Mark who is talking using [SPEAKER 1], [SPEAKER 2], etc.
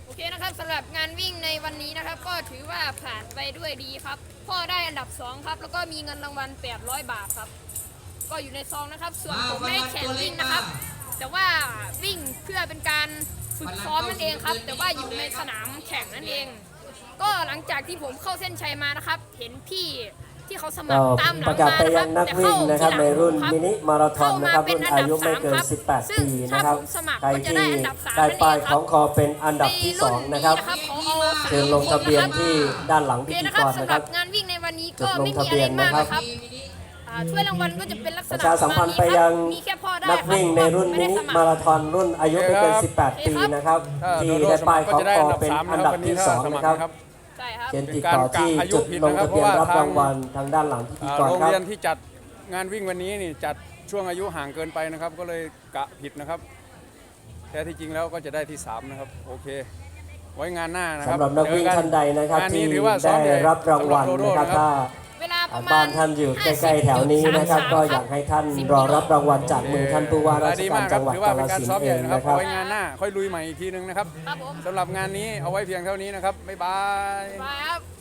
[SPEAKER 1] โอเคนะครับสำหรับงานวิ่งในวันนี้นะครับก็ถือว่าผ่านไปด้วยดีครับพ่อได้อันดับ2ครับแล้วก็มีเงินรางวัล800 บาทครับก็อยู่ในซองนะครับส่วนผมไม่ได้แข่งวิ่งนะครับแต่ว่าวิ่งเพื่อเป็นการฝึกซ้อมนั่นเองครับแต่ว่าอยู่ในสนามแข่งนั่นเอง ก็หลังจากที่ผมเข้าเส้นชัยมานะครับเห็นพี่ที่เขาสมัครตามหลังมานะครับแต่เข้าที่หลังในรุ่นมินิมาราธอนนะครับรุ่นอายุไม่เกิน18 ปีนะครับใครที่ได้ป้ายของคอเป็นอันดับที่2นะครับเชิญลงทะเบียนที่ด้านหลังพิธีกรนะครับงานวิ่งในวันนี้ก็ไม่มีอะไรมากนะครับถ้วยรางวัลก็จะเป็นลักษณะ
[SPEAKER 2] ประชาสัมพันธ์ไปยังนักวิ่งในรุ่นมินิมาราธอนรุ่นอายุไม่เกิน18 ปีนะครับที่ได้ป้ายของคอเป็นอันดับที่2นะครับเชิญติดต่อที่จุดลงทะเบียนรับรางวัลทางด้านหลังพิธีกรครับโรง
[SPEAKER 3] เรียนที่จัดงานวิ่งวันนี้นี่จัดช่วงอายุห่างเกินไปนะครับก็เลยกะผิดนะครับแท้ที่จริงแล้วก็จะได้ที่3นะครับโอเคไว้งานหน้านะครับ
[SPEAKER 2] สำหรับนักวิ่งท่านใดนะครับที่ได้รับรางวัลนะครับถ้าบ้านท่านอยู่ใกล้ๆแถวนี้นะครับก็อยากให้ท่านรอรับรางวัลจากมือท่านผู้ว่าราชการจังหวัดกาฬสินธุ์เองนะครับ
[SPEAKER 3] ไว้งานหน้าค่อยลุยใหม่อีกทีนึงนะครับสำหรับงานนี้เอาไว้เพียงเท่านี้นะครับบ๊ายบาย